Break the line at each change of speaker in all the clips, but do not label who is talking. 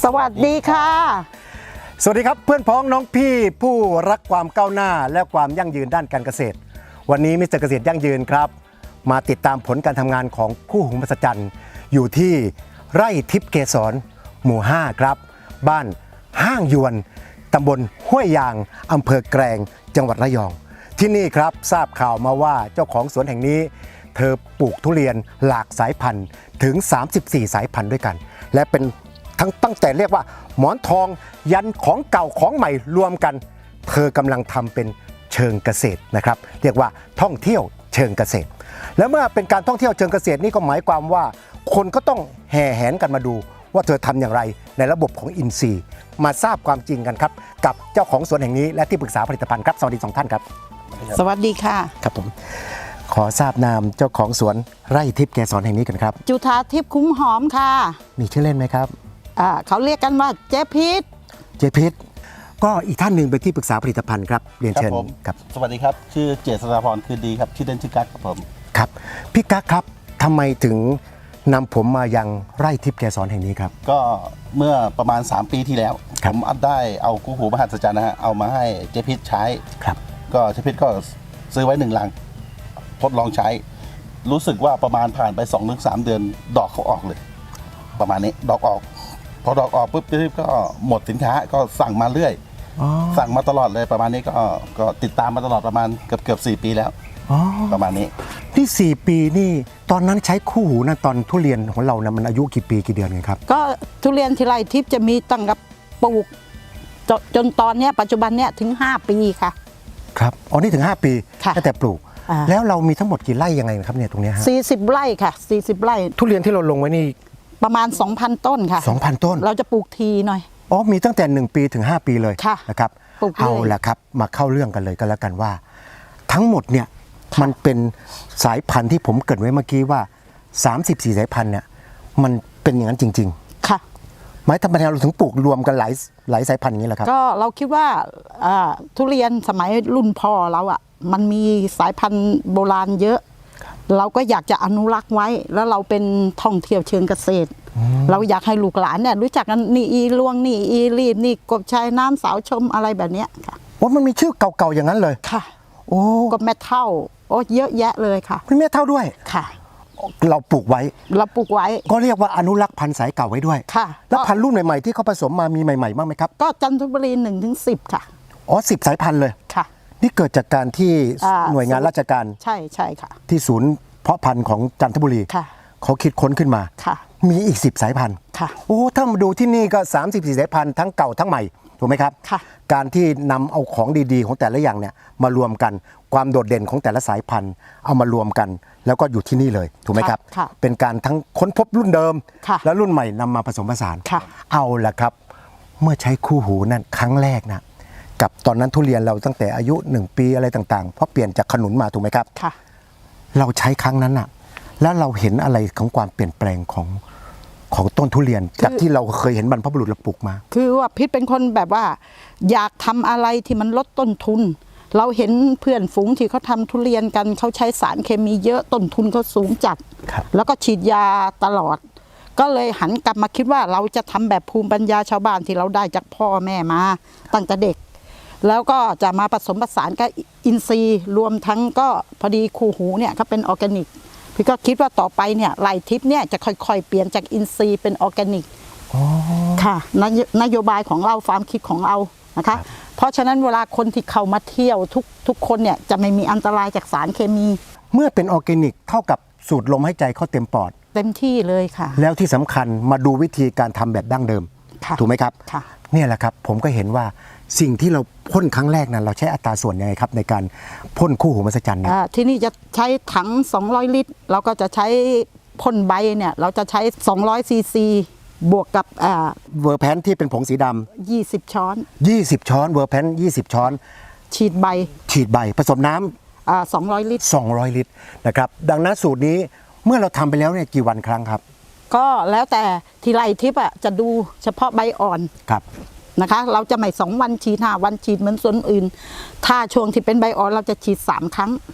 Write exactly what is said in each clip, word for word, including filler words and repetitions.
วัสดีค่ะ
สวัสดีครับเพื่อนพ้องน้องพี่ผู้รักความก้าวหน้าและความยั่งยืนด้านการเกษตรวันนี้มิสเตอร์เกษตรยั่งยืนครับมาติดตามผลการทำงานของคู่หูมหัศจรรย์อยู่ที่ไร่ทิพย์เกษรหมู่ห้าครับบ้านห้างยวนตำบลห้วยยางอำเภอแกลงจังหวัดระยองที่นี่ครับทราบข่าวมาว่าเจ้าของสวนแห่งนี้เธอปลูกทุเรียนหลากสายพันธุ์ถึงสามสิบสี่สายพันธุ์ด้วยกันและเป็นทั้งตั้งแต่เรียกว่าหมอนทองยันของเก่าของใหม่รวมกันเธอกำลังทำเป็นเชิงเกษตรนะครับเรียกว่าท่องเที่ยวเชิงเกษตรและเมื่อเป็นการท่องเที่ยวเชิงเกษตรนี่ก็หมายความว่าคนก็ต้องแห่แหนกันมาดูว่าเธอทำอย่างไรในระบบของอินทรีย์มาทราบความจริงกันครับกับเจ้าของสวนแห่งนี้และที่ปรึกษาผลิตภัณฑ์ครับสวัสดีสองท่านครับ
สวัสดีค่ะ
ครับผมขอทราบนามเจ้าของสวนไร่ทิพย์เกษรแห่งนี้กันครับ
จุฑาทิพย์คุ้มหอมค่ะ
มีชื่อเล่นไหมครับ
อ่าเขาเรียกกันว่าเจ๊พิษ
เจ๊พิษก็อีกท่านหนึ่งเป็นที่ปรึกษาผลิตภัณฑ์ครับเรียนเชิญ
ครับสวัสดีครับชื่อเจษฎาพรคือดีครับชื่อเล่นชื่อกั๊กครับผม
ครับพี่กั๊กครับทำไมถึงนำผมมายังไร่ทิพย์เกษรแห่งนี้ครับ
ก็เมื่อประมาณสามปีที่แล้วผมได้เอาคู่หูมหัศจรรย์นะฮะเอามาให้เจ๊พิษใช้
ครับ
ก็เจ๊พิษก็ซื้อไว้หนึ่งลังทดลองใช้รู้สึกว่าประมาณผ่านไป สองถึงสาม เดือนดอกเขาออกเลยประมาณนี้ดอกออกพอดอกออกปุ๊บเจ๊พิษก็หมดสินค้าก็สั่งมาเรื่อยสั่งมาตลอดเลยประมาณนี้ก็ก็ติดตามมาตลอดประมาณเกือบเกือบสี่ปีแล้วประมาณนี้
ที่สี่ปีนี่ตอนนั้นใช้คู่หูนะตอนทุเรียนของเรานะมันอายุกี่ปีกี่เดือนกันครับ
ก็ทุเรียนที่ไร่ทิพย์จะมีตั้งกับปลูกจจนตอนนี้ปัจจุบันเนี้ยถึงห้าปีค่ะ
ครับอ๋อนี่ถึงห้าปีตั้งแต่ปลูกแล้วเรามีทั้งหมดกี่ไร่ยังไงครับเนี่ยตรงนี้ฮะ
สี่สิบไร่ค่ะสี่สิบไร่
ทุเรียนที่เราลงไว้นี่
ประมาณ สองพัน ต้นค่ะ
สองพัน ต้น
เราจะปลูกทีหน่อย
อ๋อมีตั้งแต่หนึ่งปีถึงห้าปีเลยนะครับเอาละครับมาเข้าเรื่องกันเลยก็แล้วกันว่าทั้งหมดเนี่ยมันเป็นสายพันธุ์ที่ผมเกริ่นไว้เมื่อกี้ว่าสามสิบสี่สายพันธุ์เนี่ยมันเป็นอย่างนั้นจริง
ๆค่ะ
หมายทำไมเราถึงปลูกรวมกันหลายหลายสายพันธุ์อย่างนี้ล่ะครับ
ก็เราคิดว่าทุเรียนสมัยรุ่นพ่อเราอ่ะมันมีสายพันธุ์โบราณเยอะเราก็อยากจะอนุรักษ์ไว้แล้วเราเป็นท่องเที่ยวเชิงเกษตรเราอยากให้ลูกหลานเนี่ยรู้จักกันนี่อีลวงนี่อีรีดนี่กบชายน้ำสาวชมอะไรแบบนี้ค่ะ
โอ้มันมีชื่อเก่าๆอย่างนั้นเลย
ค่ะ
โอ้
กบแม่เท่าโอ้เยอะแยะเลยค่ะ
มีแม่เท่าด้วย
ค่ะ
เราปลูกไว้
เราปลูกไว้
ก็เรียกว่าอนุรักษ์พันธุ์สายเก่าไว้ด้วย
ค่ะ
แล้วพันธุ์รุ่นใหม่ๆที่เขาผสมมามีใหม่ๆบ้างไหมครับ
ก็จันทบุรีหนึ่งถึงสิบค่ะ
อ๋อสิบสายพันธุ์เลย
ค่ะ
นี่เกิดจากการที่หน่วยงานราชการ
ใช่ใช่ค่ะ
ที่ศูนย์เพาะพันธุ์ของจันทบุรีเขาคิดค้นขึ้นมามีอีกสิบสายพันธุ์โอ้ถ้ามาดูที่นี่ก็สามสิบสี่สายพันธุ์ทั้งเก่าทั้งใหม่ถูกไหมครับการที่นำเอาของดีๆของแต่ละอย่างเนี่ยมารวมกันความโดดเด่นของแต่ละสายพันธุ์เอามารวมกันแล้วก็อยู่ที่นี่เลยถูกไหมครับเป็นการทั้งค้นพบรุ่นเดิมและรุ่นใหม่นำมาผสมผสานเอาละครับเมื่อใช้คู่หูนั่นครั้งแรกนะกับตอนนั้นทุเรียนเราตั้งแต่อายุหนึ่งปีอะไรต่างๆเพราะเปลี่ยนจากขนุนมาถูกไหมครับเราใช้ครั้งนั้นน่ะแล้วเราเห็นอะไรของความเปลี่ยนแปลงของของต้นทุเรียนจากที่เราเคยเห็นบรรพบุรุษเราปลูกมา
คือว่าพิษเป็นคนแบบว่าอยากทำอะไรที่มันลดต้นทุนเราเห็นเพื่อนฝูงที่เขาทำทุเรียนกันเขาใช้สารเคมีเยอะต้นทุนเขาสูงจัดแล้วก็ฉีดยาตลอดก็เลยหันกลับมาคิดว่าเราจะทำแบบภูมิปัญญาชาวบ้านที่เราได้จากพ่อแม่มาตั้งแต่เด็กแล้วก็จะมาผสมผสานกับอินทรีย์รวมทั้งก็พอดีคู่หูเนี่ยเขาเป็นออร์แกนิกพี่ก็คิดว่าต่อไปเนี่ยไร่ทิพย์เนี่ยจะค่อยๆเปลี่ยนจากอินทรีย์เป็นออร์แกนิกค่ะนโยบายของเราความคิดของเรานะคะเพราะฉะนั้นเวลาคนที่เข้ามาเที่ยวทุกทุกคนเนี่ยจะไม่มีอันตรายจากสารเคมี
เมื่อเป็นออร์แกนิกเท่ากับสูดลมหายใจเข้าเต็มปอด
เต็มที่เลยค่ะ
แล้วที่สำคัญมาดูวิธีการทำแบบดั้งเดิมถูกไหมครับเนี่ยแหละครับผมก็เห็นว่าสิ่งที่เราพ่นครั้งแรกนั้นเราใช้อัตราส่วนยังไงครับในการพ่นคู่หูมหัศจรรย์เนี่ย
ที่นี่จะใช้ถังสองร้อยลิตรเราก็จะใช้พ่นใบเนี่ยเราจะใช้สองร้อยซีซีบวกกับ
เวอร์แพนที่เป็นผงสีด
ำยี่สิบช้อน
ยี่สิบช้อนเวอร์แพนยี่สิบช้อน
ฉีดใบ
ฉีดใบผสมน้
ำอ่าสองร้อยลิตร
สองร้อยลิตรนะครับดังนั้นสูตรนี้เมื่อเราทำไปแล้วเนี่ยกี่วันครั้งครับ
ก็แล้วแต่ที่ไร่ทิพย์อ่ะจะดูเฉพาะใบอ่อน
ครับ
นะคะเราจะไม่สองวันฉีดห้าวันฉีดเหมือนส่วนอื่นถ้าช่วงที่เป็นใบอ่อนเราจะฉีดสามครั้ง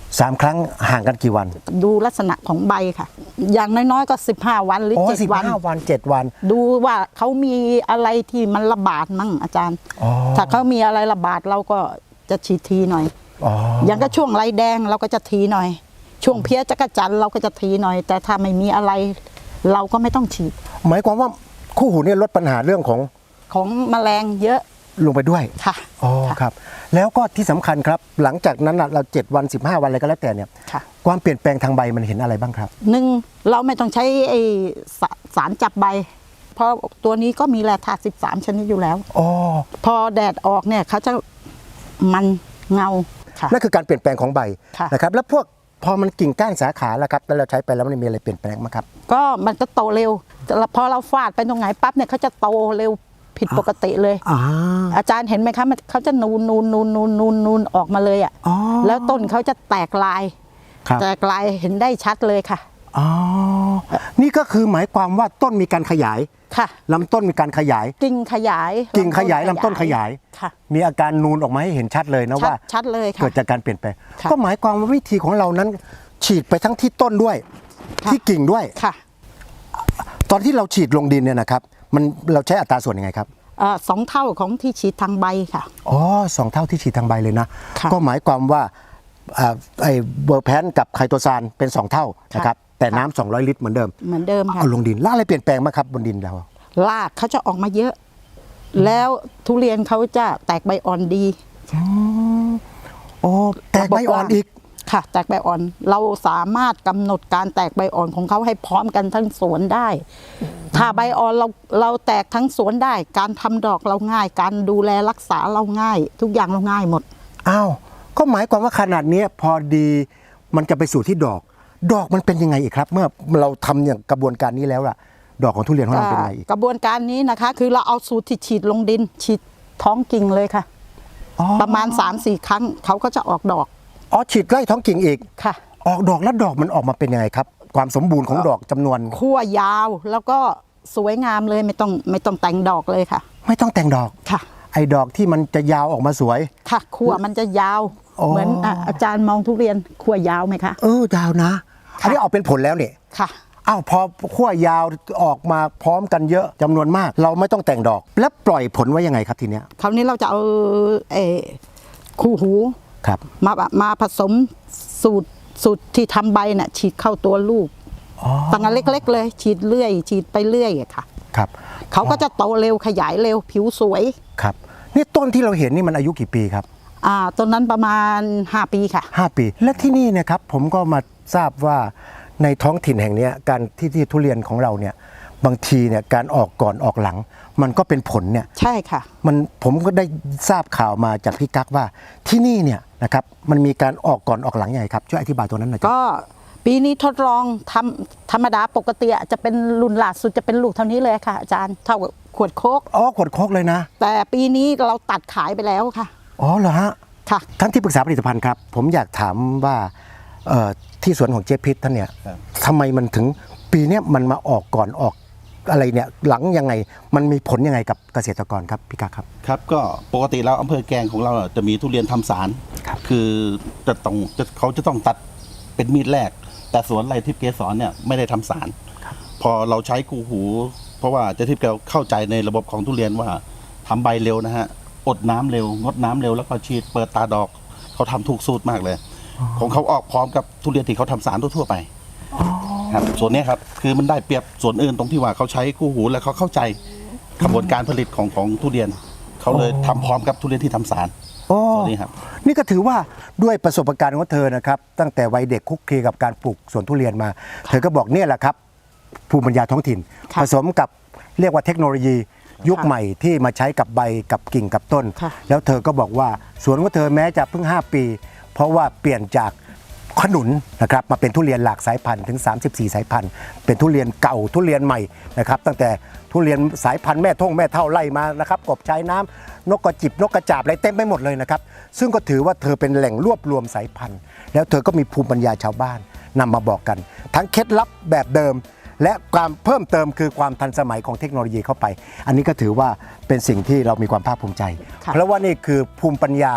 สามครั้งห่างกันกี่วัน
ดูลักษณะของใบค่ะ อย่างน้อยๆก็สิบห้าวันหรือ
อ๋อ
เจ็ด
สิบ
วัน
ห้าวันเจ็ดวัน
ดูว่าเขามีอะไรที่มันระบาดมั่งอาจารย์
อ๋อ
ถ้าเขามีอะไรระบาดเราก็จะฉีดทีหน่อย
อ๋อ
อย่างก็ช่วงไรแดงเราก็จะทีหน่อย ช่วงเพี้ยจักรจันทร์เราก็จะทีหน่อย แต่ถ้าไม่มีอะไร เราก็ไม่ต้องฉีด
หมายความว่าคู่หูเนี่ยลดปัญหาเรื่องของ
ของแมลงเยอะ
ลงไปด้วย
ค่ะ
อ๋อครับ แล้วก็ที่สำคัญครับ หลังจากนั้นน่ะเราเจ็ดวันสิบห้าวันอะไรก็แล้วแต่เนี่ย
ค่ะ
ความเปลี่ยนแปลงทางใบมันเห็นอะไรบ้างครับ
หนึ่งเราไม่ต้องใช้ไอสาสารจับใบ เพราะตัวนี้ก็มีแร่ธาตุสิบสามชนิดอยู่แล้ว
อ๋อ
พอแดดออกเนี่ยเขาจะมันเงาค่ะ
นั่นคือการเปลี่ยนแปลงของใบ
ค่ะ
นะครับ แล้วพวกพอมันกิ่งก้านสาขาแล้วครับแล้วเราใช้ไปแล้วมันมีอะไรเปลี่ยนแปลงไหมครับ
ก็มันก็โตเร็วแต่พอเราฟาดไปตรงไหนปั๊บเนี่ยเขาจะโตเร็วผิดปกติเลย
อ่า
อาจารย์เห็นไหมคะมันเขาจะนูนนูนนูนนูนนูนนูนออกมาเลยอ่ะ
อ๋อ
แล้วต้นเขาจะแตกลาย
ครับ
แตกลายเห็นได้ชัดเลยค่ะ
อ๋อ นี่ก็คือหมายความว่าต้นมีการขยาย
ค่ะ
ลำต้นมีการขยาย
กิ่งขยาย
กิ่งขยายลำต้นขยาย
ค่ะ
มีอาการนูนออกมาให้เห็นชัดเลยนะ
ชัด
ว่า
ชัดเลยค่ะ
เกิดจากการเปลี่ยนแปลง
ค่ะ
ก็หมายความว่าวิธีของเรานั้น ฉีดไปทั้งที่ต้นด้วย
ค่ะ
ที่กิ่งด้วย
ค่ะ
ตอนที่เราฉีดลงดินเนี่ยนะครับ มันเราใช้อัตราส่วนยังไงครับ
เอ่อสองเท่าของที่ฉีดทางใบค่ะ
อ๋อสองเท่าที่ฉีดทางใบเลยนะ
ค่ะ
ก็หมายความว่าอ่าไอ้เบอร์แพนกับไคโตซานเป็นสองเท่านะครับ แต่น้ำสองร้อยลิตรเหมือนเดิม
เหมือนเดิมค่ะ
เอาลงดินแล้วอะไรเปลี่ยนแปลงบ้างครับบนดินเรา
รากเขาจะออกมาเยอะ แล้วทุเรียนเขาจะแตกใบอ่อนดี
โอ้แตกใบอ่อนอีก
ค่ะ แตกใบอ่อน เราสามารถกำหนดการแตกใบอ่อนของเขาให้พร้อมกันทั้งสวนได้ ถ้าใบอ่อนเราเราแตกทั้งสวนได้ การทำดอกเราง่าย การดูแลรักษาเราง่าย ทุกอย่างเราง่ายหมด
อ้าว ก็หมายความว่าขนาดเนี้ยพอดีมันจะไปสู่ที่ดอก ดอกมันเป็นยังไงอีกครับ เมื่อเราทำอย่างกระบวนการนี้แล้วล่ะ ดอกของทุเรียนของเราเป็นยังไงอีก
กระบวนการนี้นะคะ คือเราเอาสูตรที่ฉีดลงดิน ฉีดท้องกิ่งเลยค่ะ
อ๋อ
ประมาณ สามสี่ ครั้งเขาก็จะออกดอก
อ๋อฉีดไล่ท้องกิ่งอีก
ค่ะ
ออกดอกแล้วดอกมันออกมาเป็นยังไงครับ ความสมบูรณ์ของดอกจำนวน
ขั้วยาวแล้วก็สวยงามเลยไม่ต้องไม่ต้องแต่งดอกเลยค่ะ
ไม่ต้องแต่งดอก
ค่ะ
ไอ้ดอกที่มันจะยาวออกมาสวย
ค่ะขั้วมันจะยาว
อ๋อ
เหมือนอ่ะอาจารย์มองทุเรียนขั้วยาวไหมคะ
เออยาวนะ อันนี้ออกเป็นผลแล้วเนี่ย
ค่ะ
อ้าวพอขั้วยาวออกมาพร้อมกันเยอะจำนวนมาก เราไม่ต้องแต่งดอก แล้วปล่อยผลไว้ยังไงครับทีเนี้ย
คราวนี้เราจะเอาเออคู่หู
ครับ
มามาผสมสูตรสูตรที่ทำใบน่ะฉีดเข้าตัวลูก
อ๋อ
ตั้งแต่เล็ก ๆ เลย ฉีดเรื่อย ฉีดไปเรื่อยอะค่ะ
ครับ
เขาก็จะโตเร็วขยายเร็วผิวสวย
ครับนี่ต้นที่เราเห็นนี่มันอายุกี่ปีครับ
อ่าต้นนั้นประมาณ ห้า ปีค่ะ
ห้าปี และที่นี่เนะครับผมก็มาทราบว่าในท้องถิ่นแห่งเนี้ยการที่ที่ทุเรียนของเราเนี่ยบางทีเนี่ยการออกก่อนออกหลัง มันก็เป็นผลเนี่ย
ใช่ค่ะ
มันผมก็ได้ทราบข่าวมาจากพี่กั๊กว่าที่นี่เนี่ยนะครับมันมีการออกก่อนออกหลังยังไงครับช่วยอธิบายตัวนั้นหน่อยครับ
ก็ปีนี้ทดลองทำธรรมดาปกติอะจะเป็นรุ่นล่าสุดจะเป็นลูกเท่านี้เลยค่ะอาจารย์เท่ากับขวดโคก
อ๋อขวดโคกเลยนะ
แต่ปีนี้เราตัดขายไปแล้วค่ะ
อ๋อเหรอฮะ
ค่ะ
ท่านที่ปรึกษาผลิตภัณฑ์ครับผมอยากถามว่าเอ่อที่สวนของเจ๊พิษท่านเนี่ย
ครับ
ทำไมมันถึงปีเนี้ยมันมาออกก่อนออกอะไรเนี่ยหลังยังไงมันมีผลยังไงกับเกษตรกรครับพี่กั๊กครับ
ครับก็ปกติแล้วอำเภอแกลงของเราอ่ะจะมีทุเรียนทำสาร
ครับ
คือจะต้องจะเขาจะต้องตัดเป็นมีดแรก แต่สวนไรทิพย์เกสรเนี่ยไม่ได้ทำสาร พอเราใช้กูหู เพราะว่าเจะทิพย์แกเข้าใจในระบบของทุเรียนว่าทำใบเร็วนะฮะอดน้ำเร็วงดน้ำเร็วแล้วก็ฉีดเปิดตาดอกเขาทำถูกสูตรมากเลย ของเขาออกพร้อมกับทุเรียนที่เขาทำสารทั่วๆไปครับส่วนเนี้ยครับคือมันได้เปรียบส่วนอื่นตรงที่ว่าเขาใช้คู่หูและเขาเข้าใจกระบวนการผลิตของของทุเรียน เขาเลยทำพร้อมกับทุเรียนที่ทำสาร
โอ้
ส่วนนี้ครับ
นี่ก็ถือว่าด้วยประสบการณ์ของเธอนะครับตั้งแต่วัยเด็กคุกคีกับการปลูกสวนทุเรียนมา เธอก็บอกเนี่ยแหละครับภูมิปัญญาท้องถิ่น
ค่ะ
ผสมกับเรียกว่าเทคโนโลยียุค
ค่ะ
ใหม่ที่มาใช้กับใบกับกิ่งกับต้น
ค่ะ
แล้วเธอก็บอกว่าสวนของเธอแม้จะเพิ่งห้าปี เพราะว่าเปลี่ยนจากขนุนนะครับมาเป็นทุเรียนหลากสายพันธุ์ถึงสามสิบสี่สายพันธุ์เป็นทุเรียนเก่าทุเรียนใหม่นะครับตั้งแต่ทุเรียนสายพันธุ์แม่ท่งแม่เท่าไล่มานะครับกบชายน้ำนกกระจิบนกกระจาบอะไรเต็มไปหมดเลยนะครับซึ่งก็ถือว่าเธอเป็นแหล่งรวบรวมสายพันธุ์ แล้วเธอก็มีภูมิปัญญาชาวบ้านนำมาบอกกัน ทั้งเคล็ดลับแบบเดิม และความเพิ่มเติมคือความทันสมัยของเทคโนโลยีเข้าไป อันนี้ก็ถือว่าเป็นสิ่งที่เรามีความภาคภูมิใจ
ค่ะ
เพราะว่านี่คือภูมิปัญญา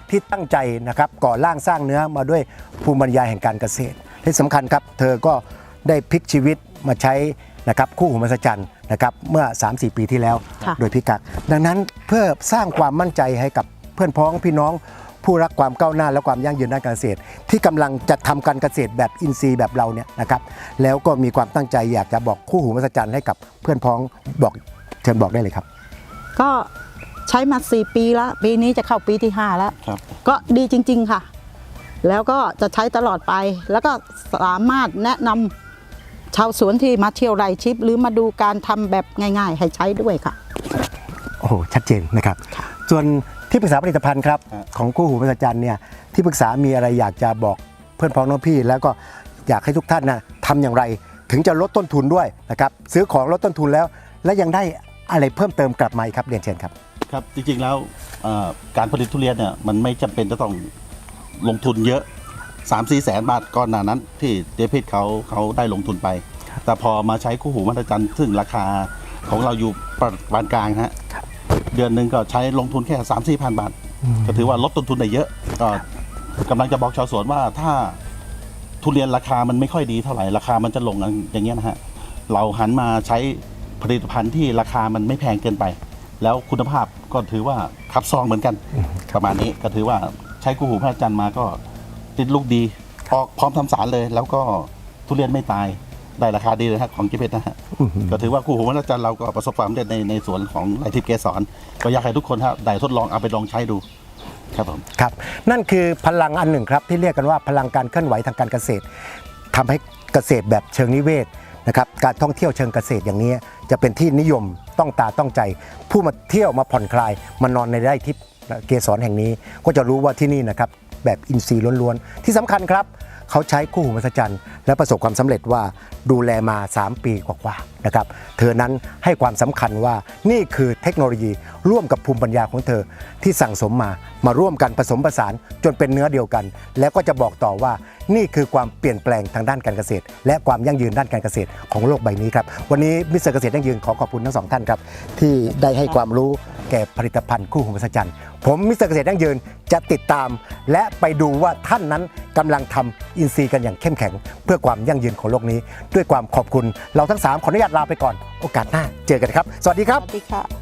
ที่ตั้งใจนะครับก่อร่างสร้างเนื้อมาด้วยภูมิปัญญาแห่งการเกษตรที่สำคัญครับเธอก็ได้พลิกชีวิตมาใช้นะครับคู่หูมหัศจรรย์นะครับเมื่อ สามสี่ ปีที่แล้ว
ค่ะ
โดยพิกัดดังนั้นเพื่อสร้างความมั่นใจให้กับเพื่อนพ้องพี่น้องผู้รักความก้าวหน้าและความยั่งยืนด้านการเกษตร ที่กำลังจะทำการเกษตรแบบอินทรีย์แบบเราเนี่ยนะครับแล้วก็มีความตั้งใจอยากจะบอกคู่หูมหัศจรรย์ให้กับเพื่อนพ้องบอกเชิญบอกได้เลยครับ
ก็ใช้มาสี่ปีแล้ว ปีนี้จะเข้าปีที่ห้าแล้ว
ครับ
ก็ดีจริง ๆค่ะ แล้วก็จะใช้ตลอดไป แล้วก็สามารถแนะนำชาวสวนที่มาเที่ยวไร่ชิป หรือมาดูการทำแบบง่ายๆ ให้ใช้ด้วยค่ะ
โอ้โหชัดเจนนะครับ ส่วนที่ปรึกษาผลิตภัณฑ์ครับ
ครับ
ของคู่หูมหัศจรรย์เนี่ยที่ปรึกษามีอะไรอยากจะบอกเพื่อนพ้องน้องพี่ แล้วก็อยากให้ทุกท่านนะทำอย่างไรถึงจะลดต้นทุนด้วยนะครับซื้อของลดต้นทุนแล้ว และยังได้อะไรเพิ่มเติมกลับมาอีกครับเรียนเชิญครับ
ครับจริงๆแล้วเอ่อการผลิตทุเรียนเนี่ยมันไม่จำเป็นจะต้องลงทุนเยอะ สามสี่แสนบาทก่อนหน้านั้น ที่เดพิดเขาเขาได้ลงทุนไป แต่พอมาใช้คู่หูมหัศจรรย์ซึ่งราคาของเราอยู่ประมาณกลางฮะเดือนหนึ่งก็ใช้ลงทุนแค่สามสี่พันบาท ก็ถือว่าลดต้นทุนได้เยอะก็กำลังจะบอกชาวสวนว่าถ้าทุเรียนราคามันไม่ค่อยดีเท่าไหร่ราคามันจะลงอย่างเงี้ยนะฮะเราหันมาใช้ผลิตภัณฑ์ที่ราคามันไม่แพงเกินไป แล้วคุณภาพก็ถือว่าขับซองเหมือนกันประมาณนี้ก็ถือว่าใช้คู่หูพระจันทร์มาก็ติดลูกดีออกพร้อมทำสารเลย แล้วก็ทุเรียนไม่ตายได้ราคาดีเลยฮะของเจเพชรนะฮะก็ถือว่าคู่หูพระจันทร์เราก็ประสบความสำเร็จในในสวนของไร่ทิพย์เกสรก็อยากให้ทุกคนฮะได้ทดลองเอาไปลองใช้ดูครับผม
ครับนั่นคือพลังอันหนึ่งครับที่เรียกกันว่าพลังการเคลื่อนไหวทางการเกษตรทำให้เกษตรแบบเชิงนิเวศนะครับการท่องเที่ยวเชิงเกษตรอย่างนี้จะเป็นที่นิยมต้องตาต้องใจ ผู้มาเที่ยวมาผ่อนคลายมานอนในไร่ทิพย์เกสรแห่งนี้ ก็จะรู้ว่าที่นี่นะครับแบบอินทรีย์ล้วนๆที่สำคัญครับเขาใช้คู่หูมหัศจรรย์และประสบความสำเร็จว่าดูแลมา สาม ปีกว่าๆนะครับเธอนั้นให้ความสำคัญว่านี่คือเทคโนโลยีร่วมกับภูมิปัญญาของเธอที่สั่งสมมามาร่วมกันผสมผสานจนเป็นเนื้อเดียวกัน แล้วก็จะบอกต่อว่านี่คือความเปลี่ยนแปลงทางด้านการเกษตร และความยั่งยืนด้านการเกษตรของโลกใบนี้ครับวันนี้มิสเตอร์เกษตรยั่งยืนขอขอบคุณทั้งสองท่านครับที่ได้ให้ความรู้แก่ผลิตภัณฑ์คู่หูมหัศจรรย์ผมมิสเตอร์เกษตรยั่งยืนจะติดตาม และไปดูว่าท่านนั้นกำลังทำอินทรีย์กันอย่างเข้มแข็ง เพื่อความยั่งยืนของโลกนี้ ด้วยความขอบคุณเราทั้งสามขออนุญาตลาไปก่อนโอกาสหน้าเจอกันครับ สวัสดีค
ส
รับ
วัสดีค่ะ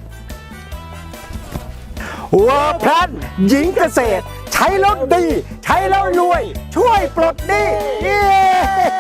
วัวพลันหญิงเกษตร ใช้แล้วดี ใช้แล้วรวย ช่วยปลดหนี้เย้